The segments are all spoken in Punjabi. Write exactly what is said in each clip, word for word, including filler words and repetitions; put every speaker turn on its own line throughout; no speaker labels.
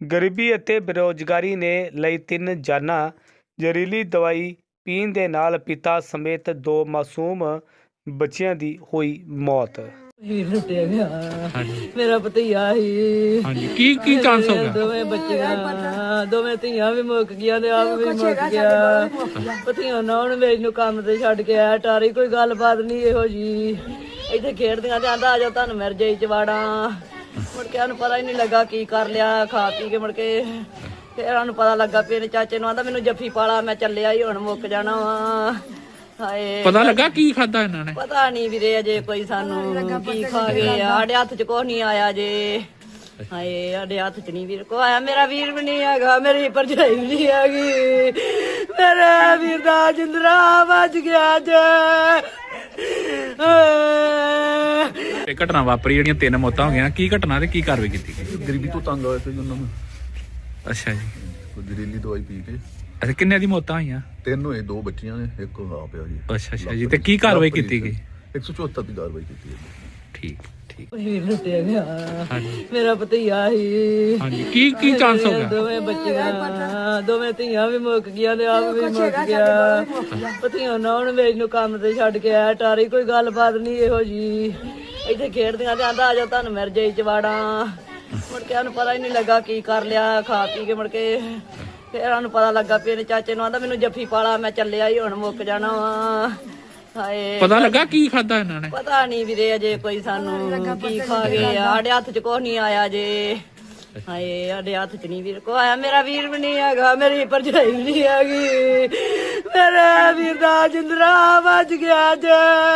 ਗਰੀਬੀ ਅਤੇ ਬੇਰੁਜ਼ਗਾਰੀ ਨੇ ਲਈ ਤਿੰਨ ਜਾਨਾਂ। ਜ਼ਹਿਰੀਲੀ ਦਵਾਈ ਪੀਣ ਦੇ ਨਾਲ ਪਿਤਾ ਸਮੇਤ ਦੋ ਮਾਸੂਮ ਬੱਚਿਆਂ ਦੀ ਹੋਈ ਮੌਤ।
ਵੀਰ ਲੁੱਟਿਆ ਗਿਆ।
ਹਾਂਜੀ
ਮੇਰਾ ਭਤੀਆ ਸੀ।
ਹਾਂਜੀ ਕੀ ਕੀ ਚਾਂਸ ਹੋ ਗਿਆ?
ਦੋਵੇਂ ਬੱਚੀਆਂ ਦੋਵੇਂ ਧੀਆਂ ਵੀ ਮੁੱਕ ਗਈਆਂ ਤੇ ਆਪ ਵੀ ਮੁੱਕ ਗਿਆ। ਭਤੀਆ ਨਾ ਉਹਨੂੰ ਮੇਰੇ ਨੂੰ ਕੰਮ ਤੇ ਛੱਡ ਕੇ ਆਇਆ ਟਾਰੀ। ਕੋਈ ਗੱਲਬਾਤ ਨਹੀਂ ਇਹੋ ਜੀ। ਇੱਥੇ ਖੇਡਦੀਆਂ ਤੇ ਆਂਦਾ ਆ ਜਾਓ ਤੁਹਾਨੂੰ ਮਿਰ ਜਾਈ ਚਵਾੜਾਂ। ਮੁੜ ਕੇ ਉਹਨੂੰ ਪਤਾ ਹੀ ਨਹੀਂ ਲੱਗਾ ਕੀ ਕਰ ਲਿਆ ਖਾ ਪੀ ਕੇ। ਮੁੜ ਕੇ ਫਿਰ ਉਹਨੂੰ ਪਤਾ ਲੱਗਾ ਵੀ ਇਹਨੇ ਚਾਚੇ ਨੂੰ ਆਂਦਾ ਮੈਨੂੰ ਜੱਫੀ ਪਾਲਾ ਮੈਂ ਚੱਲਿਆ ਹੀ ਹੁਣ ਮੁੱਕ ਜਾਣਾ ਵਾ। ਹਾਏ
ਪਤਾ ਲੱਗਾ ਕੀ ਖਾਦਾ ਇਹਨਾਂ ਨੇ?
ਪਤਾ ਨਹੀਂ ਵੀਰੇ ਅਜੇ ਕੋਈ ਸਾਨੂੰ ਕੀ ਖਾ ਗਏ ਆ। ਸਾਡੇ ਹੱਥ 'ਚ ਕੁਛ ਨਹੀਂ ਆਇਆ ਜੇ। ਹਾਏ ਸਾਡੇ ਹੱਥ 'ਚ ਨਹੀਂ ਵੀਰ ਕੋ ਆਇਆ। ਮੇਰਾ ਵੀਰ ਵੀ ਨਹੀਂ ਹੈਗਾ, ਮੇਰੀ ਭਰਜਾਈ ਵੀ ਨਹੀਂ ਹੈਗੀ। ਮੇਰੇ ਵੀਰ ਦਾ ਜਿੰਦਰਾ ਵੱਜ ਗਿਆ ਜੇ।
ਇਹ ਘਟਨਾ ਵਾਪਰੀ ਜਿਹੜੀਆਂ ਤਿੰਨ ਮੌਤਾਂ ਹੋ ਗਈਆਂ, ਕੀ ਘਟਨਾ ਤੇ ਕੀ ਕਾਰਵਾਈ ਕੀਤੀ ਗਈ?
ਗਰੀਬੀ ਤੋਂ ਤੰਗ ਆਏ ਸੀ ਉਹਨਾਂ ਨੂੰ।
ਅੱਛਾ ਜੀ।
ਕੋਈ ਜ਼ਹਿਰੀਲੀ ਦਵਾਈ ਪੀ ਕੇ
ਅੱਛਾ ਕਿੰਨੇ ਦੀ ਮੌਤਾਂ ਹੋਈਆਂ?
ਤਿੰਨ ਹੋਏ, ਦੋ ਬੱਚੀਆਂ ਨੇ, ਇੱਕ ਆਪ ਆ ਜੀ।
ਅੱਛਾ ਅੱਛਾ ਜੀ। ਤੇ ਕੀ ਕਾਰਵਾਈ ਕੀਤੀ ਗਈ?
ਇੱਕ ਸੌ ਚੁਹੱਤਰ ਦੀ ਕਾਰਵਾਈ ਕੀਤੀ ਹੈ।
ਠੀਕ ਠੀਕ।
ਵੀਰ ਲੁੱਟਿਆ ਗਿਆ।
ਹਾਂਜੀ
ਮੇਰਾ ਭਤੀਆ ਸੀ।
ਹਾਂਜੀ ਕੀ ਕੀ ਚਾਂਸ ਹੋ ਗਿਆ?
ਦੋਵੇਂ ਬੱਚੀਆਂ ਦੋਵੇਂ ਧੀਆਂ ਵੀ ਮੁੱਕ ਗਈਆਂ ਤੇ ਆਪ ਵੀ ਮੁੱਕ ਗਿਆ। ਭਤੀਆ ਨਾ ਉਹਨੂੰ ਮੇਰੇ ਨੂੰ ਕੰਮ ਤੇ ਛੱਡ ਕੇ ਆਇਆ ਟਾਰੀ। ਕੋਈ ਗੱਲਬਾਤ ਨਹੀਂ ਇਹੋ ਜੀ। ਇੱਥੇ ਖੇਡਦੀਆਂ ਤੇ ਆਂਦਾ ਆ ਜਾਓ ਤੁਹਾਨੂੰ ਮਿਰ ਜਾਈ ਚਵਾੜਾਂ। ਮੁੜ ਕੇ ਉਹਨੂੰ ਪਤਾ ਹੀ ਨਹੀਂ ਲੱਗਾ ਕੀ ਕਰ ਲਿਆ ਖਾ ਪੀ ਕੇ। ਮੁੜ ਕੇ ਫਿਰ ਉਹਨੂੰ ਪਤਾ ਲੱਗਾ ਵੀ ਇਹਨੇ ਚਾਚੇ ਨੂੰ ਆਂਦਾ ਮੈਨੂੰ ਜੱਫੀ ਪਾਲਾ ਮੈਂ ਚੱਲਿਆ ਹੀ ਹੁਣ ਮੁੱਕ ਜਾਣਾ ਵਾ। ਹਾਏ
ਪਤਾ ਲੱਗਾ ਕੀ ਖਾਦਾ ਇਹਨਾਂ ਨੇ?
ਪਤਾ ਨਹੀਂ ਵੀਰੇ ਅਜੇ ਕੋਈ ਸਾਨੂੰ ਕੀ ਖਾ ਗਏ ਆ। ਸਾਡੇ ਹੱਥ 'ਚ ਕੁਛ ਨਹੀਂ ਆਇਆ ਜੇ। ਹਾਏ ਸਾਡੇ ਹੱਥ ਚ ਨਹੀਂ ਵੀਰ ਕੋ ਆਇਆ। ਮੇਰਾ ਵੀਰ ਵੀ ਨਹੀਂ ਹੈਗਾ, ਮੇਰੀ ਭਰਜਾਈ ਵੀ ਨਹੀਂ ਹੈਗੀ। ਮੇਰੇ ਵੀਰ ਦਾ ਜਿੰਦਰਾ ਵੱਜ ਗਿਆ ਜੇ।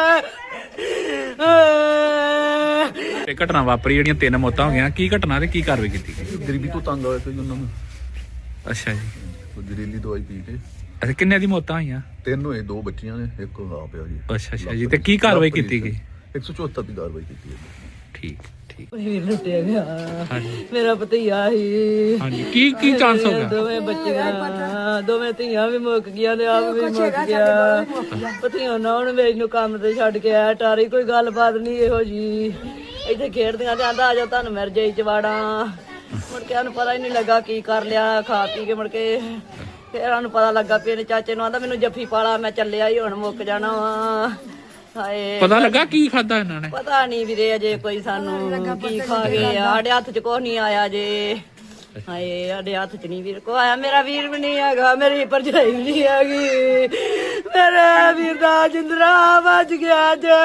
ਇਹ ਘਟਨਾ ਵਾਪਰੀ ਜਿਹੜੀਆਂ ਤਿੰਨ ਮੌਤਾਂ ਹੋ ਗਈਆਂ, ਕੀ ਘਟਨਾ ਤੇ ਕੀ ਕਾਰਵਾਈ ਕੀਤੀ ਗਈ?
ਗਰੀਬੀ ਤੋਂ ਤੰਗ ਆਏ ਸੀ ਉਹਨਾਂ ਨੂੰ।
ਅੱਛਾ ਜੀ।
ਕੋਈ ਜ਼ਹਿਰੀਲੀ ਦਵਾਈ ਪੀ ਕੇ
ਅੱਛਾ ਕਿੰਨੇ ਦੀ ਮੌਤਾਂ ਹੋਈਆਂ?
ਤਿੰਨ ਹੋਏ, ਦੋ ਬੱਚੀਆਂ ਨੇ, ਇੱਕ ਆਪ ਆ ਜੀ।
ਅੱਛਾ ਅੱਛਾ ਜੀ। ਤੇ ਕੀ ਕਾਰਵਾਈ ਕੀਤੀ ਗਈ?
ਇੱਕ ਸੌ ਚੁਹੱਤਰ ਦੀ ਕਾਰਵਾਈ ਕੀਤੀ ਹੈ।
ਠੀਕ ਠੀਕ।
ਵੀਰ ਲੁੱਟਿਆ ਗਿਆ।
ਹਾਂਜੀ
ਮੇਰਾ ਭਤੀਆ ਸੀ।
ਹਾਂਜੀ ਕੀ ਕੀ ਚਾਂਸ ਹੋ ਗਿਆ?
ਦੋਵੇਂ ਬੱਚੀਆਂ ਦੋਵੇਂ ਧੀਆਂ ਵੀ ਮੁੱਕ ਗਈਆਂ ਤੇ ਆਪ ਵੀ ਮੁੱਕ ਗਿਆ। ਭਤੀਆ ਨਾ ਉਹਨੂੰ ਮੇਰੇ ਨੂੰ ਕੰਮ ਤੇ ਛੱਡ ਕੇ ਆਇਆ ਟਾਰੀ। ਕੋਈ ਗੱਲਬਾਤ ਨਹੀਂ ਇਹੋ ਜੀ। ਇੱਥੇ ਖੇਡਦੀਆਂ ਤੇ ਆਂਦਾ ਆ ਜਾਓ ਤੁਹਾਨੂੰ ਮਿਰ ਜਾਈ ਚਵਾੜਾਂ। ਮੁੜ ਕੇ ਉਹਨੂੰ ਪਤਾ ਹੀ ਨਹੀਂ ਲੱਗਾ ਕੀ ਕਰ ਲਿਆ ਖਾ ਪੀ ਕੇ। ਮੁੜ ਕੇ ਫਿਰ ਉਹਨੂੰ ਪਤਾ ਲੱਗਾ ਵੀ ਇਹਨੇ ਚਾਚੇ ਨੂੰ ਆਂਦਾ ਮੈਨੂੰ ਜੱਫੀ ਪਾਲਾ ਮੈਂ ਚੱਲਿਆ ਹੀ ਹੁਣ ਮੁੱਕ ਜਾਣਾ ਵਾ। ਹਾਏ
ਪਤਾ ਲੱਗਾ ਕੀ ਖਾਦਾ ਇਹਨਾਂ ਨੇ?
ਪਤਾ ਨਹੀਂ ਵੀਰੇ ਅਜੇ ਕੋਈ ਸਾਨੂੰ ਕੀ ਖਾ ਗਏ ਆ। ਸਾਡੇ ਹੱਥ 'ਚ ਕੁਛ ਨਹੀਂ ਆਇਆ ਜੇ। ਹਾਏ ਸਾਡੇ ਹੱਥ 'ਚ ਨਹੀਂ ਵੀਰ ਕੋ ਆਇਆ। ਮੇਰਾ ਵੀਰ ਵੀ ਨਹੀਂ ਹੈਗਾ, ਮੇਰੀ ਭਰਜਾਈ ਵੀ ਨਹੀਂ ਹੈਗੀ। ਮੇਰੇ ਵੀਰ ਦਾ ਜਿੰਦਰਾ ਵੱਜ ਗਿਆ ਜੇ।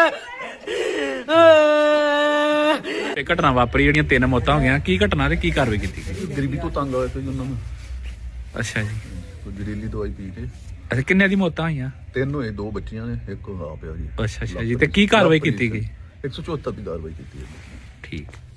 ਇਹ ਘਟਨਾ ਵਾਪਰੀ ਜਿਹੜੀਆਂ ਤਿੰਨ ਮੌਤਾਂ ਹੋ ਗਈਆਂ, ਕੀ ਘਟਨਾ ਤੇ ਕੀ ਕਾਰਵਾਈ ਕੀਤੀ ਗਈ?
ਗਰੀਬੀ ਤੋਂ ਤੰਗ ਆਏ ਸੀ ਉਹਨਾਂ ਨੂੰ।
ਅੱਛਾ ਜੀ।
ਕੋਈ ਜ਼ਹਿਰੀਲੀ ਦਵਾਈ ਪੀ ਕੇ
ਅੱਛਾ ਕਿੰਨੇ ਦੀ ਮੌਤਾਂ ਹੋਈਆਂ?
ਤਿੰਨ ਹੋਏ, ਦੋ ਬੱਚੀਆਂ ਨੇ, ਇੱਕ ਆਪ ਆ ਜੀ।
ਅੱਛਾ ਅੱਛਾ ਜੀ। ਤੇ ਕੀ ਕਾਰਵਾਈ ਕੀਤੀ ਗਈ?
ਇੱਕ ਸੌ ਚੁਹੱਤਰ ਦੀ ਕਾਰਵਾਈ ਕੀਤੀ ਹੈ।
ਠੀਕ।